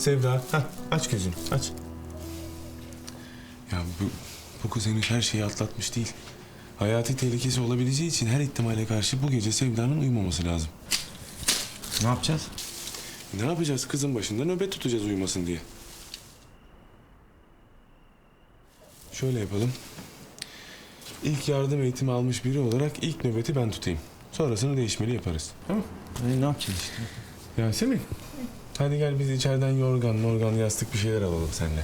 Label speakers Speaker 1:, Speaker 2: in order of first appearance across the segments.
Speaker 1: Sevda, aç gözünü, aç. Ya bu kız henüz her şeyi atlatmış değil. Hayati tehlikesi olabileceği için her ihtimale karşı bu gece Sevda'nın uyumaması lazım.
Speaker 2: Ne yapacağız?
Speaker 1: Ne yapacağız? Kızın başında nöbet tutacağız uyumasın diye. Şöyle yapalım. İlk yardım eğitimi almış biri olarak ilk nöbeti ben tutayım. Sonrasını değişmeli yaparız. Tamam?
Speaker 2: Ne yapacağız işte?
Speaker 1: Yasemin. Hadi gel biz içeriden yorgan, yastık bir şeyler alalım seninle.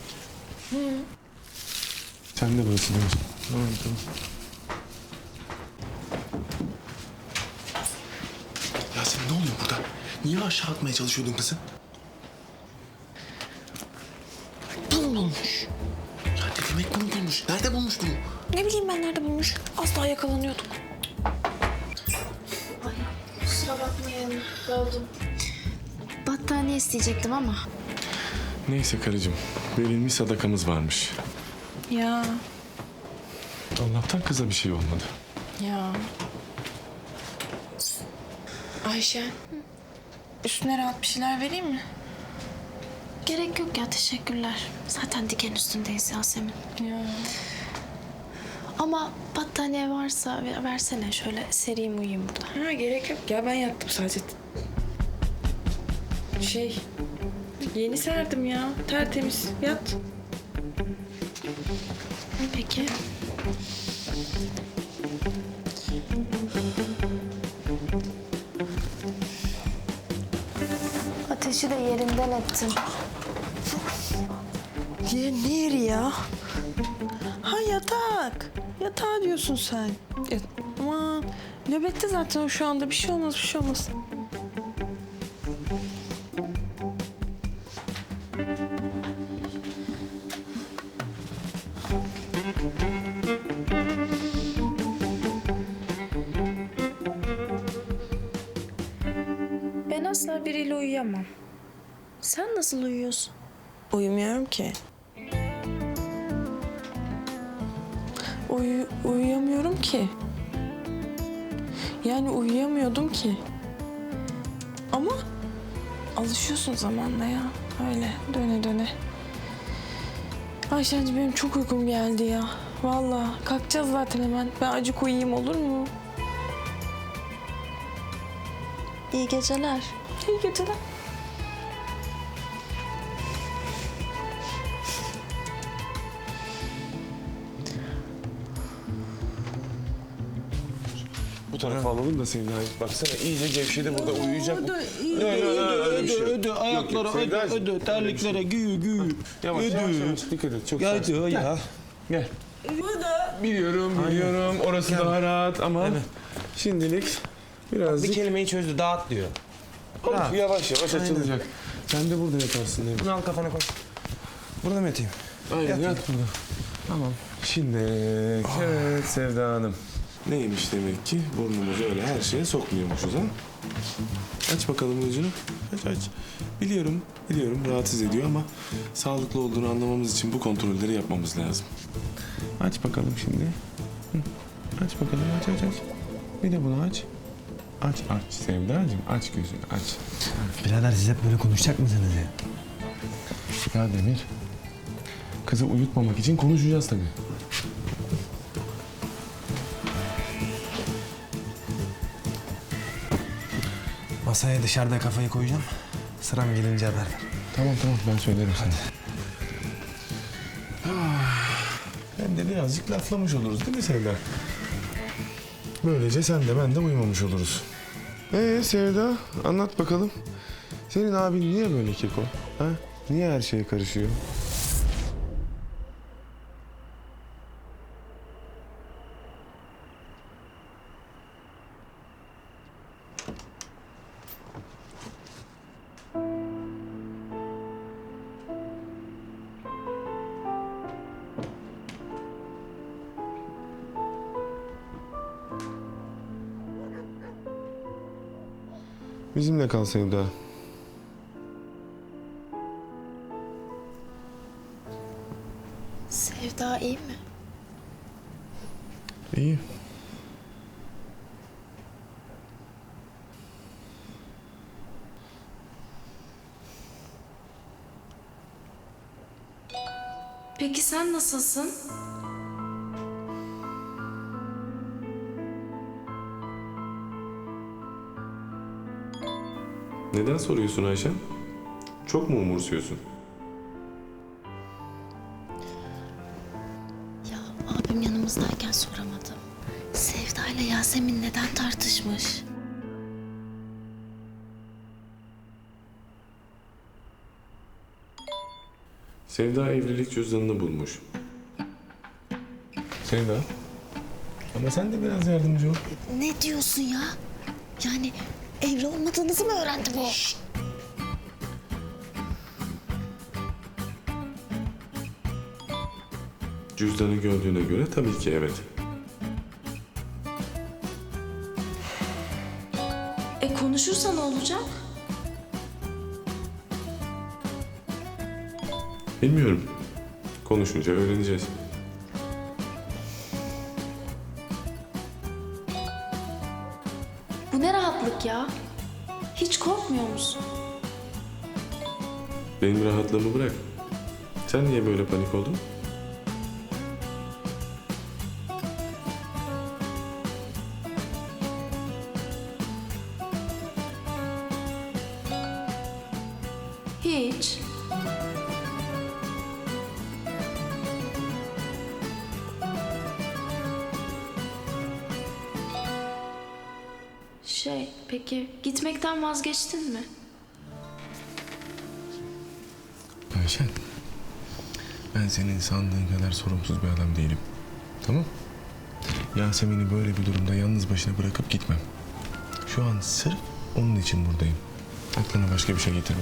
Speaker 1: Sen de burası değil mi?
Speaker 2: Tamam.
Speaker 1: Yasemin ne oluyor burada? Niye aşağı atmaya çalışıyordun kızı?
Speaker 3: Bunu bulmuş.
Speaker 1: Ya ne demek bunu bulmuş? Nerede bulmuş bunu?
Speaker 3: Ne bileyim ben nerede bulmuş. Az daha yakalanıyorduk.
Speaker 4: Ay kusura bakmayın. Böldüm. Battaniye isteyecektim ama.
Speaker 1: Neyse karıcığım. Verilmiş sadakamız varmış.
Speaker 3: Ya.
Speaker 1: Allah'tan kıza bir şey olmadı.
Speaker 3: Ya. Ayşe. Üstüne rahat bir şeyler vereyim mi?
Speaker 4: Gerek yok ya, teşekkürler. Zaten diken üstündeyiz Yasemin.
Speaker 3: Ya.
Speaker 4: Ama battaniye varsa versene, şöyle sereyim uyuyayım burada.
Speaker 3: Ha gerek yok ya, ben yattım sadece. Yeni serdim ya. Tertemiz. Yat.
Speaker 4: Peki. Ateşi de yerinden ettim.
Speaker 3: Ne yeri ya? Ha yatak. Yatağı diyorsun sen. Aman nöbette zaten o şu anda. Bir şey olmaz.
Speaker 4: Ben asla biriyle uyuyamam. Sen nasıl uyuyorsun?
Speaker 3: Uyumuyorum ki. Uyuyamıyorum ki. Yani uyuyamıyordum ki. Ama alışıyorsun zamanla ya. Öyle döne döne. Ayşenci benim çok uykum geldi ya. Vallahi kalkacağız zaten hemen. Ben acık uyuyayım olur mu?
Speaker 4: İyi geceler.
Speaker 3: İyi geceler.
Speaker 1: Bu tarafa alalım da Sevda'yı. Baksana iyice gevşedi burada uyuyacak.
Speaker 2: Ödü, ayaklara ödü, terliklere güyü.
Speaker 1: Yavaş. Dikkat et. Çok sakin.
Speaker 2: Ödü ya.
Speaker 1: Gel. Biliyorum. Orası daha rahat ama şimdilik
Speaker 2: Bir
Speaker 1: birazcık...
Speaker 2: kelimeyi çözdü, dağıt diyor.
Speaker 1: Yavaş açılacak. Sen de burada yatarsın değil mi?
Speaker 2: Bunu al kafana koy. Burada mı yatayım?
Speaker 1: Aynen yat burada.
Speaker 2: Tamam.
Speaker 1: Şimdi evet Sevda Hanım. Neymiş demek ki burnumuzu öyle her şeye sokmuyormuşuz ha? Aç bakalım gözünü. Aç. Biliyorum rahatsız ediyor ama sağlıklı olduğunu anlamamız için bu kontrolleri yapmamız lazım. Aç bakalım şimdi. Aç bakalım aç. Bir de bunu aç. Aç Sevdacığım aç gözünü aç.
Speaker 2: Birader siz hep böyle konuşacak mısınız ya?
Speaker 1: Ya Demir. Kızı uyutmamak için konuşacağız tabii.
Speaker 2: Masaya dışarıda kafayı koyacağım. Sıram gelince haber ver.
Speaker 1: Tamam ben söylerim sana. Hem de birazcık laflamış oluruz değil mi Sevda? Böylece sen de ben de uyumamış oluruz. Sevda anlat bakalım. Senin abin niye böyle keko? Ha? Niye her şeye karışıyor? Bizimle kal Sevda.
Speaker 4: Sevda iyi mi?
Speaker 1: İyi.
Speaker 4: Peki sen nasılsın?
Speaker 1: Neden soruyorsun Ayşen? Çok mu umursuyorsun?
Speaker 4: Ya abim yanımızdayken soramadım. Sevda ile Yasemin neden tartışmış?
Speaker 1: Sevda evlilik cüzdanını bulmuş. Sevda. Ama sen de biraz yardımcı ol.
Speaker 4: Ne diyorsun ya? Yani evli olmadığınızı mı öğrendi bu?
Speaker 1: Cüzdanı gördüğüne göre tabii ki evet.
Speaker 4: Konuşursa ne olacak?
Speaker 1: Bilmiyorum. Konuşunca öğreneceğiz.
Speaker 4: Bu ne rahatlık ya? Hiç korkmuyor musun?
Speaker 1: Benim rahatlığımı bırak. Sen niye böyle panik oldun?
Speaker 4: Hiç. Peki gitmekten vazgeçtin mi?
Speaker 1: Ayşen, ben senin sandığın kadar sorumsuz bir adam değilim. Tamam? Yasemin'i böyle bir durumda yalnız başına bırakıp gitmem. Şu an sırf onun için buradayım. Aklına başka bir şey getirme.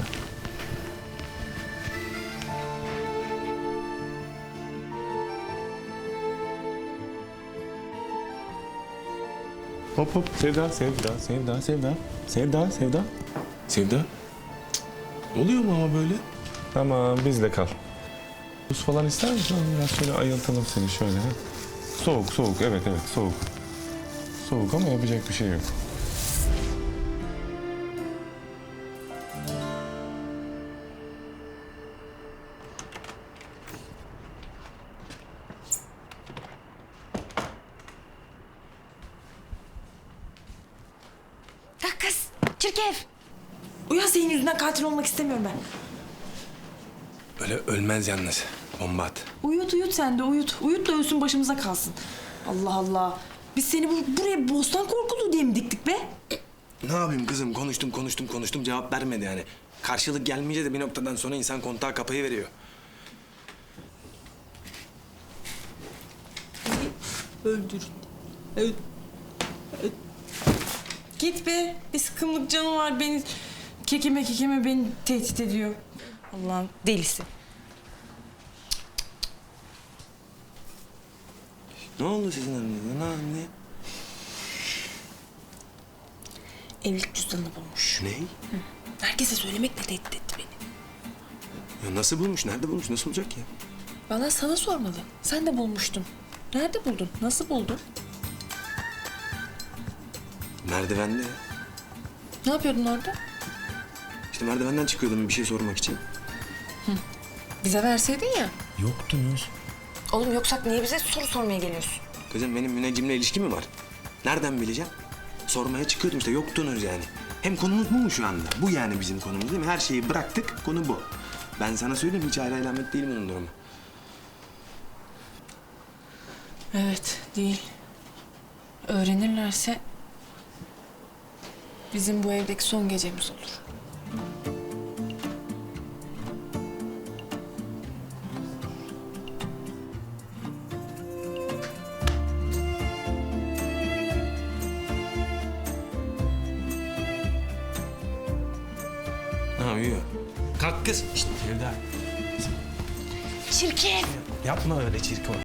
Speaker 1: Hop hop, Sevda. Sevda. Oluyor mu ama böyle? Tamam, bizle kal. Buz falan ister misin? Biraz şöyle ayıltalım seni şöyle. Ha? Soğuk. Evet, soğuk. Soğuk ama yapacak bir şey yok.
Speaker 3: Kalk kız. Çirkef. Uyan, senin yüzünden katil olmak istemiyorum ben.
Speaker 1: Öyle ölmez yalnız. Bomba at.
Speaker 3: Uyut sen de uyut. Uyut da ölsün, başımıza kalsın. Allah Allah. Biz seni buraya bostan korkuluğu diye mi diktik be?
Speaker 2: Ne yapayım kızım? Konuştum. Cevap vermedi yani. Karşılık gelmeyince de bir noktadan sonra insan kontağı kapayıveriyor.
Speaker 3: Öldür. Git be. Bir sıkımlık canı var, beni kekeme beni tehdit ediyor. Allah'ın delisi.
Speaker 2: Ne oldu sizin aranızda? Ne anne?
Speaker 3: Evlilik cüzdanını bulmuş.
Speaker 2: Ne?
Speaker 3: Herkese söylemekle tehdit etti beni.
Speaker 2: Ya nasıl bulmuş? Nerede bulmuş? Nasıl olacak ya?
Speaker 3: Bana sana sormalı. Sen de bulmuştun. Nerede buldun? Nasıl buldun?
Speaker 2: Merdivende.
Speaker 3: Ne yapıyordun orada?
Speaker 2: İşte merdivenden çıkıyordum bir şey sormak için.
Speaker 3: Bize verseydin ya.
Speaker 2: Yoktunuz.
Speaker 3: Oğlum, yoksak niye bize soru sormaya geliyorsun?
Speaker 2: Kızım benim müneccimle ilişki mi var? Nereden bileceğim? Sormaya çıkıyordum işte yoktunuz yani. Hem konumuz bu mu şu anda? Bu yani bizim konumuz değil mi? Her şeyi bıraktık, konu bu. Ben sana söyleyeyim, hiç ayrı alamet değil bunun durumu.
Speaker 3: Evet, değil. Öğrenirlerse bizim bu evdeki son gecemiz olur.
Speaker 2: Ha uyuyor. Kalk kız. İşte Sevda.
Speaker 3: Çirkin!
Speaker 2: Yapma öyle çirkin.